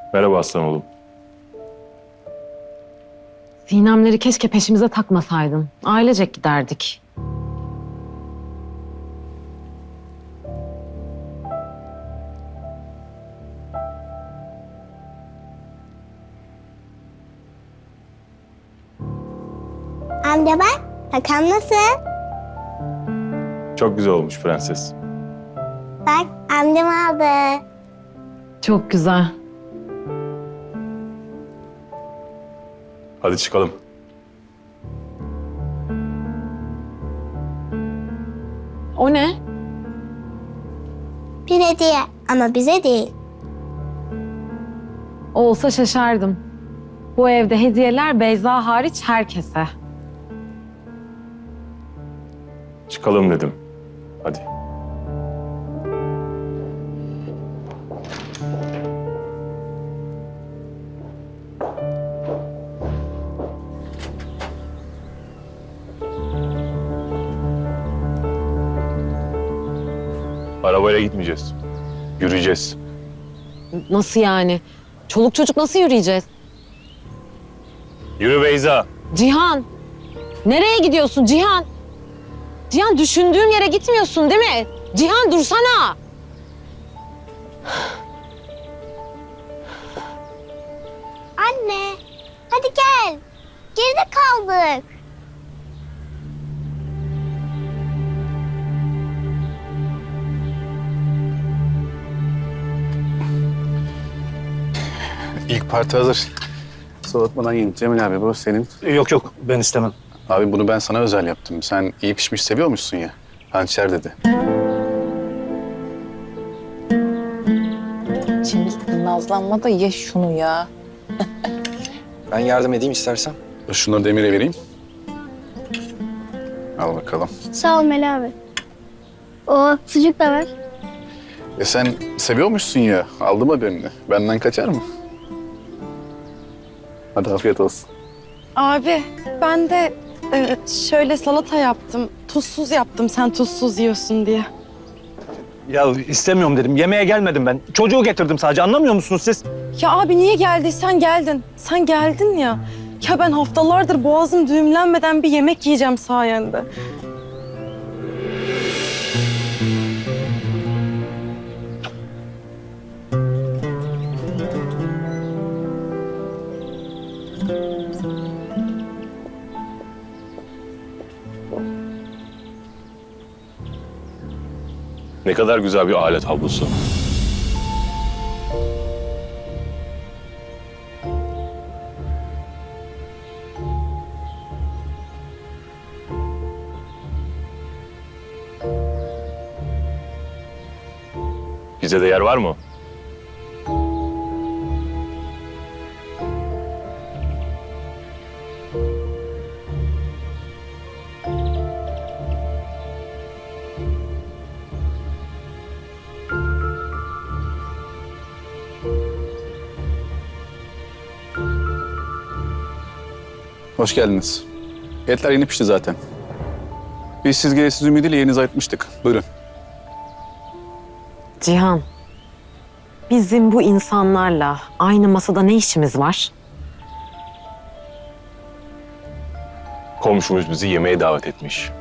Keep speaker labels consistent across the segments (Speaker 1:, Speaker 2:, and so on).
Speaker 1: Merhaba aslan oğlum.
Speaker 2: Sinemleri keşke peşimize takmasaydın. Ailecek giderdik.
Speaker 3: Amca bak, Hakan nasıl?
Speaker 1: Çok güzel olmuş prenses.
Speaker 3: Bak, amcam aldı.
Speaker 2: Çok güzel.
Speaker 1: Hadi çıkalım.
Speaker 2: O ne?
Speaker 3: Bir hediye ama bize değil.
Speaker 2: Olsa şaşardım. Bu evde hediyeler Beyza hariç herkese.
Speaker 1: Çıkalım dedim. Hadi. Arabayla gitmeyeceğiz. Yürüyeceğiz.
Speaker 2: Nasıl yani? Çoluk çocuk nasıl yürüyeceğiz?
Speaker 1: Yürü Beyza.
Speaker 2: Cihan! Nereye gidiyorsun Cihan? Cihan düşündüğüm yere gitmiyorsun değil mi? Cihan dursana!
Speaker 3: Anne, hadi gel. Geride kaldık.
Speaker 4: İlk parti hazır. Soğutmadan yiyin. Cemil abi bu senin.
Speaker 5: Yok yok ben istemem.
Speaker 4: Abi bunu ben sana özel yaptım. Sen iyi pişmiş seviyormuşsun ya. Hançer dedi.
Speaker 6: Cemil nazlanma da ye şunu ya.
Speaker 5: Ben yardım edeyim istersen.
Speaker 4: Şunları Demir'e vereyim. Al bakalım.
Speaker 3: Sağ ol Meli abi. O sucuk da ver.
Speaker 4: Sen seviyormuşsun ya. Aldım haberini. Benden kaçar mı? Hadi afiyet olsun.
Speaker 6: Abi ben de şöyle salata yaptım. Tuzsuz yaptım sen tuzsuz yiyorsun diye.
Speaker 5: Ya istemiyorum dedim. Yemeğe gelmedim ben. Çocuğu getirdim sadece. Anlamıyor musunuz siz?
Speaker 6: Ya abi niye geldiysen geldin. Sen geldin ya. Ya ben haftalardır boğazım düğümlenmeden bir yemek yiyeceğim sayende.
Speaker 1: Ne kadar güzel bir alet tablosu. Bize de yer var mı?
Speaker 4: Hoş geldiniz. Etler yeni pişti zaten. Biz siz gelesiz ümidiyle yerinizi ayırtmıştık. Buyurun.
Speaker 2: Cihan, bizim bu insanlarla aynı masada ne işimiz var?
Speaker 1: Komşumuz bizi yemeğe davet etmiş.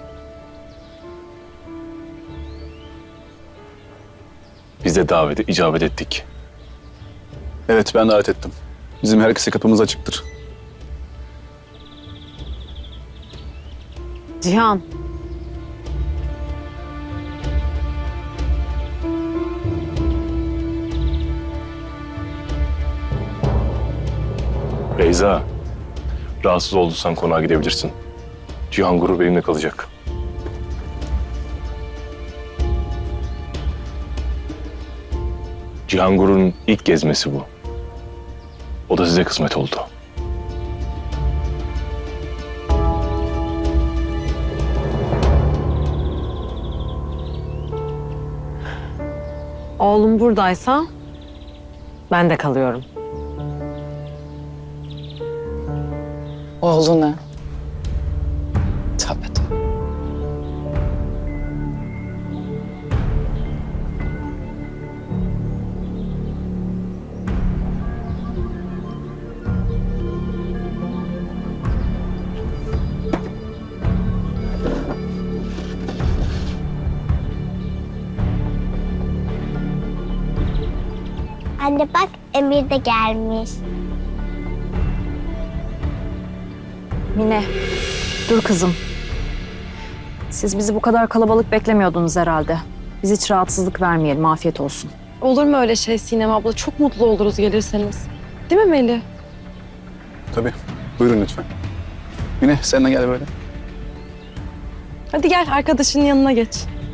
Speaker 1: Biz de davete icabet ettik.
Speaker 4: Evet ben davet ettim. Bizim herkese kapımız açıktır.
Speaker 2: Cihan,
Speaker 1: Beyza, rahatsız olduysan konağa gidebilirsin. Cihan Gurur benimle kalacak. Cihan Gurur'un ilk gezmesi bu. O da size kısmet oldu.
Speaker 2: oğlum buradaysa ben de kalıyorum.
Speaker 6: Oğluna. Tabii tabii.
Speaker 3: Anne bak Emir de gelmiş.
Speaker 7: Mine, dur kızım. Siz bizi bu kadar kalabalık beklemiyordunuz herhalde. Biz hiç rahatsızlık vermeyelim, afiyet olsun.
Speaker 6: Olur mu öyle şey Sinem abla? Çok mutlu oluruz gelirseniz. Değil mi Melih?
Speaker 4: Tabii. Buyurun lütfen. Mine sen de gel böyle.
Speaker 6: Hadi gel arkadaşının yanına geç.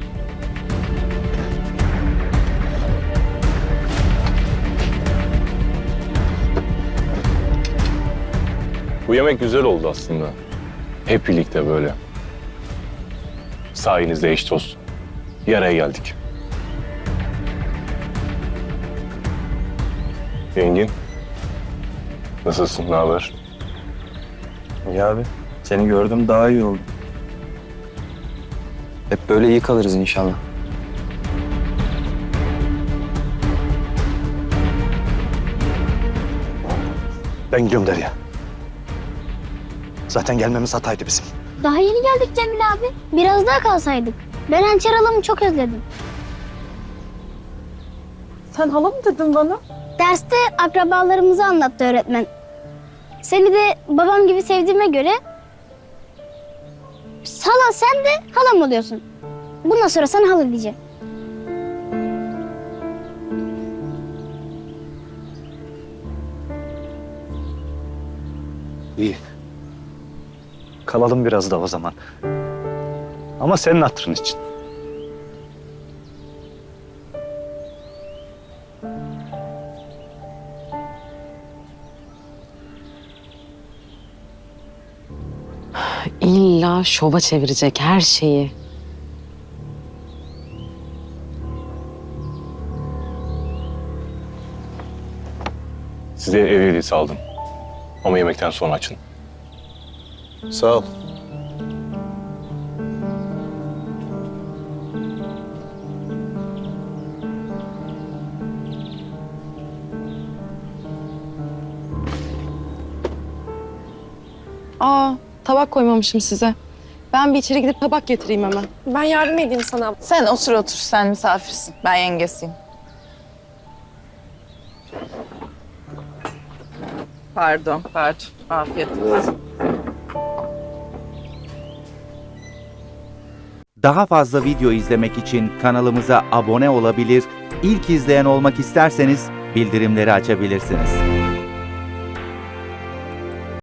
Speaker 1: Bu yemek güzel oldu aslında. Hep birlikte böyle. Sayenizde eş dost. Bir araya geldik. Engin. Nasılsın, ne haber?
Speaker 5: İyi abi. Seni gördüm daha iyi oldu. Hep böyle iyi kalırız inşallah. Ben gidiyorum Derya. Zaten gelmemiz hataydı bizim.
Speaker 3: Daha yeni geldik Cemil abi. Biraz daha kalsaydık. Ben hançer halamı çok özledim.
Speaker 6: Sen hala mı dedin bana?
Speaker 3: Derste akrabalarımızı anlattı öğretmen. Seni de babam gibi sevdiğime göre hala sen de halam oluyorsun. Bundan sonra sana hala diyeceğim.
Speaker 5: İyi. Kalalım biraz da o zaman. Ama senin hatırın için.
Speaker 2: İlla şova çevirecek her şeyi.
Speaker 1: Size ev hediyesi aldım. Ama yemekten sonra açın.
Speaker 4: Sağ ol.
Speaker 6: Aa, tabak koymamışım size. Ben bir içeri gidip tabak getireyim hemen. Ben yardım edeyim sana.
Speaker 8: Sen otur, sen misafirsin. Ben yengesiyim. Pardon. Afiyet olsun.
Speaker 9: Daha fazla video izlemek için kanalımıza abone olabilir, ilk izleyen olmak isterseniz bildirimleri açabilirsiniz.